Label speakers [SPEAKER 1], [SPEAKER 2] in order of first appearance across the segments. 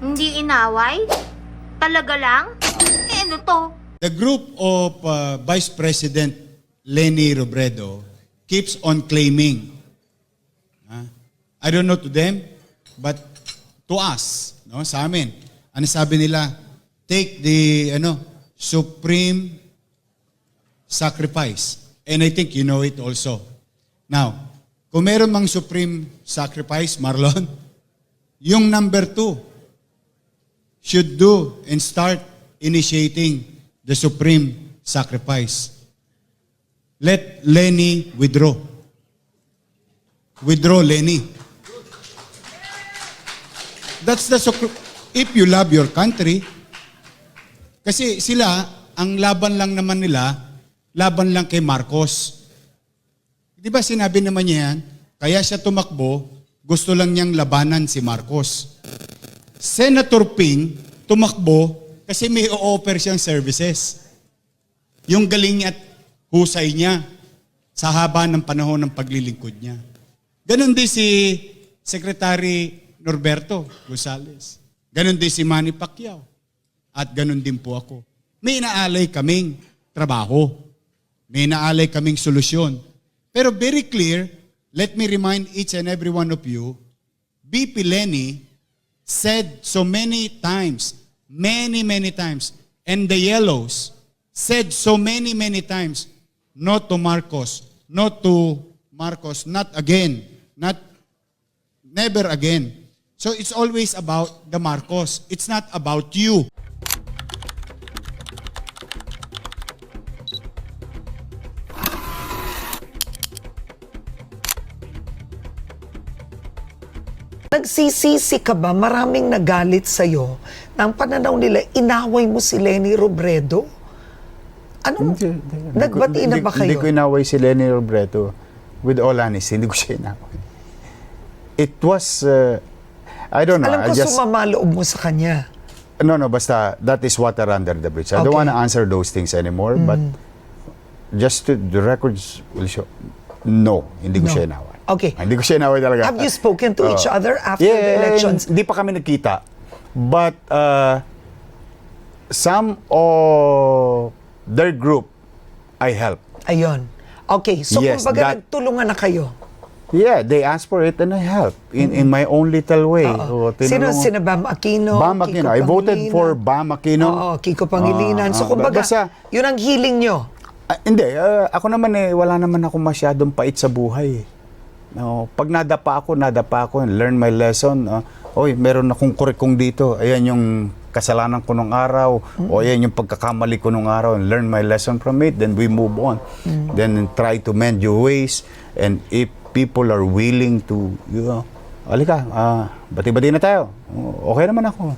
[SPEAKER 1] Hindi inaway? Talaga lang? Eh, ano to?
[SPEAKER 2] The group of Vice President Leni Robredo keeps on claiming, I don't know to them, but to us, no, sa amin, ano sabi nila? Take the supreme sacrifice. And I think you know it also. Now, kung meron mang supreme sacrifice, Marlon, yung number 2 should do and start initiating the supreme sacrifice. Let Leni withdraw. Withdraw Leni. That's the if you love your country. Kasi sila, ang laban lang naman nila, laban lang kay Marcos. Di ba sinabi naman niya yan? Kaya siya tumakbo, gusto lang niyang labanan si Marcos. Senator Ping tumakbo kasi may o-offer siyang services. Yung galing at husay niya sa haba ng panahon ng paglilingkod niya. Ganon din si Secretary Norberto Gonzales. Ganon din si Manny Pacquiao. At ganon din po ako. May inaalay kaming trabaho. May inaalay kaming solusyon. Pero very clear, let me remind each and every one of you, BP Leni said so many times, many times, and the Yellows said so many times, no to Marcos, not again, never again. So it's always about the Marcos. It's not about you.
[SPEAKER 3] Nagsisisi ka ba? Maraming nagalit sa'yo na ang pananaw nila, inaway mo si Leni Robredo? Anong, nagbati na ba kayo?
[SPEAKER 4] Hindi ko inaway si Leni Robredo. With all honesty, hindi ko siya inaway. It was, I don't know.
[SPEAKER 3] Alam ko sumama loob mo sa kanya.
[SPEAKER 4] No, basta that is water under the bridge. I don't want to answer those things anymore, but just the records will show, no, hindi ko siya inaway.
[SPEAKER 3] Okay.
[SPEAKER 4] Hindi ko siya inaway talaga.
[SPEAKER 3] Have you spoken to each other after the elections?
[SPEAKER 4] Hindi pa kami nagkita. But some of their group, I helped.
[SPEAKER 3] Ayun. Okay, so
[SPEAKER 4] Yes,
[SPEAKER 3] kumbaga nagtulungan na kayo.
[SPEAKER 4] Yeah, they asked for it and I helped in my own little way. So,
[SPEAKER 3] Sina Bam Aquino?
[SPEAKER 4] Bam Aquino. I voted for Bam Aquino.
[SPEAKER 3] Oo, Kiko Pangilinan. So kumbaga, yun ang healing nyo.
[SPEAKER 4] Hindi, ako naman wala naman ako masyadong pait sa buhay. No, pag nadapa ako, learn my lesson. Oy, meron akong kurikong dito. Ayan yung kasalanan ko nung araw. O ayan yung pagkakamali ko nung araw. And learn my lesson from it. Then we move on. Then try to mend your ways. And if people are willing to, alika, bati-bati na tayo. Okay naman ako.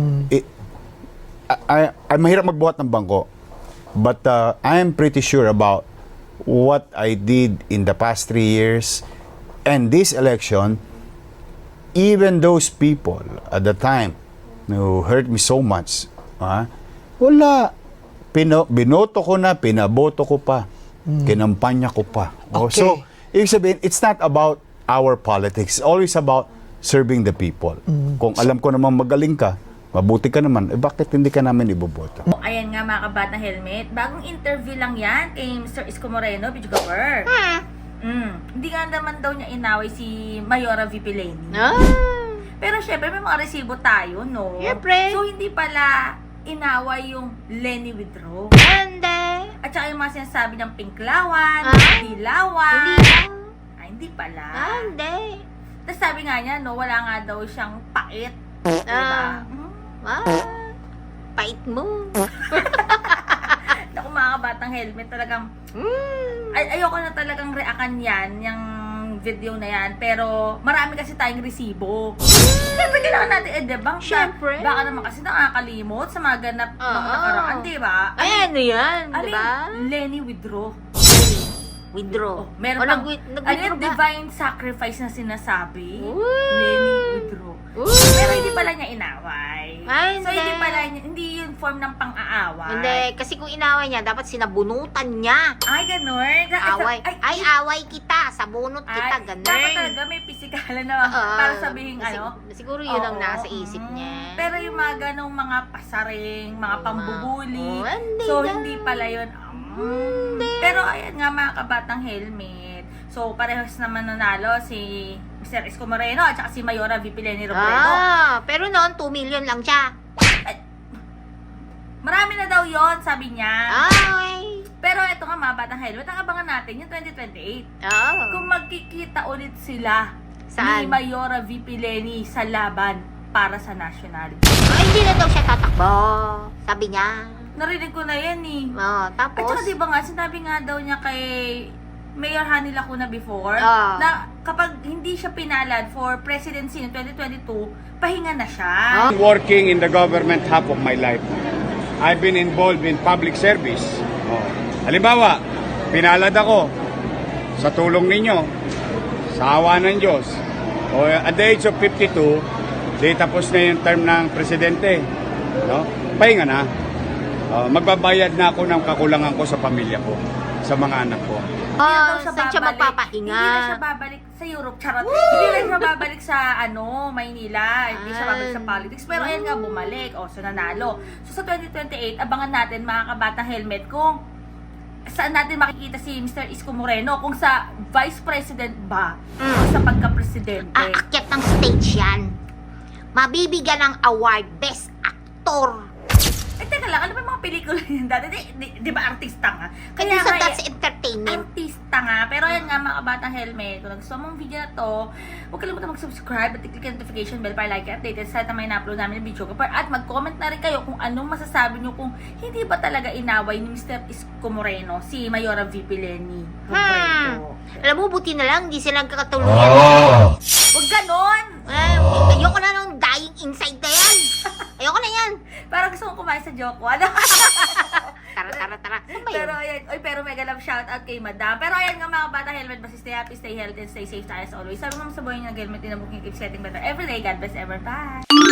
[SPEAKER 4] Ay mahirap magbuhat ng bangko. But I am pretty sure about what I did in the past 3 years. And this election, even those people at the time who hurt me so much, wala. Binoto ko na, pinaboto ko pa, kinampanya ko pa.
[SPEAKER 3] Okay.
[SPEAKER 4] So, ibig sabihin, it's not about our politics. It's always about serving the people. Kung alam ko naman magaling ka, mabuti ka naman, bakit hindi ka namin iboboto?
[SPEAKER 5] Ayan nga mga kabatang helmet, bagong interview lang yan kay Mr. Isko Moreno, Bidjugawar. Hindi nga naman daw niya inaway si Mayora VP Leni. Pero syempre may mga resibo tayo, no?
[SPEAKER 1] Syempre.
[SPEAKER 5] So hindi pala inaway yung Leni withdraw.
[SPEAKER 1] Hindi.
[SPEAKER 5] At saka yung mga sinasabi ng pinklawan, dilawan. Hindi pala.
[SPEAKER 1] Hindi.
[SPEAKER 5] Tapos sabi nga niya, no, wala nga daw siyang pait. Diba?
[SPEAKER 1] Pait mo.
[SPEAKER 5] Naku mga kabatang helmet, talagang ayoko na talagang reakan yan, yung video na yan. Pero marami kasi tayong resibo. Siyempre kailangan natin i-debunk.
[SPEAKER 1] Siyempre.
[SPEAKER 5] Baka naman kasi nakakalimot sa mga ganap mga nakaraan, di ba?
[SPEAKER 1] Ay, ano yan?
[SPEAKER 5] Alin,
[SPEAKER 1] Diba?
[SPEAKER 5] Leni withdraw.
[SPEAKER 1] Withdraw.
[SPEAKER 5] Meron pang,
[SPEAKER 1] Nag-withdraw ba?
[SPEAKER 5] divine sacrifice na sinasabi.
[SPEAKER 1] Uy.
[SPEAKER 5] Leni withdraw. Pero hindi pala niya inaway.
[SPEAKER 1] Ay,
[SPEAKER 5] So,
[SPEAKER 1] hindi.
[SPEAKER 5] hindi yun form ng pang-aaway.
[SPEAKER 1] Hindi, kasi kung inaway niya, dapat sinabunutan niya.
[SPEAKER 5] Ay, ganun.
[SPEAKER 1] Away. Ay, away kita, sabunot kita, ganun.
[SPEAKER 5] Dapat talaga may pisikalan na
[SPEAKER 1] Oo.
[SPEAKER 5] para sabihin
[SPEAKER 1] Siguro yun ang
[SPEAKER 5] Oo.
[SPEAKER 1] nasa isip niya.
[SPEAKER 5] Pero yung mga ganong mga pasaring, mga pambubuli.
[SPEAKER 1] Oo, hindi
[SPEAKER 5] So,
[SPEAKER 1] na.
[SPEAKER 5] hindi pala yun. Pero ayan nga mga kabatang helmet. So, parehas naman nanalo si Mr. Isko Moreno at saka si Mayora VP Leni Robredo.
[SPEAKER 1] Pero noon, 2 million lang siya.
[SPEAKER 5] Marami na daw yon sabi niya.
[SPEAKER 1] Ay.
[SPEAKER 5] Pero ito nga mga batang helmet, ang abangan natin yung 2028.
[SPEAKER 1] Oh.
[SPEAKER 5] Kung magkikita ulit sila
[SPEAKER 1] Saan?
[SPEAKER 5] ni Mayora VP Leni sa laban para sa national.
[SPEAKER 1] Hindi na daw siya tatakbo. Sabi niya.
[SPEAKER 5] Narinig ko na yan eh. At
[SPEAKER 1] Tapos,
[SPEAKER 5] saka diba nga, sinabi nga daw niya kay Mayor Hani Lacuna before,
[SPEAKER 1] Ah.
[SPEAKER 5] na kapag hindi siya pinalad for presidency in 2022, pahinga na siya.
[SPEAKER 6] Working in the government half of my life. I've been involved in public service. Halimbawa, pinalad ako sa tulong ninyo, sa awa ng Diyos. At the age of 52, di tapos na yung term ng presidente. No? Pahinga na. Magbabayad na ako ng kakulangan ko sa pamilya ko, sa mga anak ko.
[SPEAKER 5] Hindi na daw
[SPEAKER 1] saan siya magpapahinga?
[SPEAKER 5] Hindi na siya babalik sa Europe, charot. Hindi na siya babalik sa Maynila. Hindi siya babalik sa politics. Pero ayan nga, bumalik. So nanalo. So sa 2028, abangan natin mga kabatang helmet kung saan natin makikita si Mr. Isko Moreno, kung sa vice president ba o sa pagka-presidente.
[SPEAKER 1] aakyat ng stage yan. Mabibigyan ng award, best actor.
[SPEAKER 5] Teka lang, ano ba yung mga pelikula yun dati? Di ba artista nga?
[SPEAKER 1] Kaya sa
[SPEAKER 5] nga,
[SPEAKER 1] That's Entertainment.
[SPEAKER 5] artista nga. Pero ayan nga mga kabatang helmet, kung nagustuhan mo ang video na to, huwag kalimutan mag-subscribe at i-click yung notification bell para like updated sa may na-upload namin ng video. At mag-comment na rin kayo kung anong masasabi nyo kung hindi ba talaga inaway ni Mr. Isko Moreno si Mayora VP Leni Robredo.
[SPEAKER 1] Alam mo, buti na lang, hindi sila nagkakatuluyan.
[SPEAKER 5] Huwag ganon!
[SPEAKER 1] Ayoko na ng dying inside na yan. Ayoko na yan.
[SPEAKER 5] Parang gusto kong kumain sa joke. Ano?
[SPEAKER 1] Tara. Saan ba yun?
[SPEAKER 5] Pero ayan, pero mega love shout out kay Madam. Pero ayan nga mga bata, helmet, basta stay happy, stay healthy, and stay safe tayo as always. Sabi mo sa buhay niya, helmet, in a booking, keep getting better every day. God bless ever. Bye!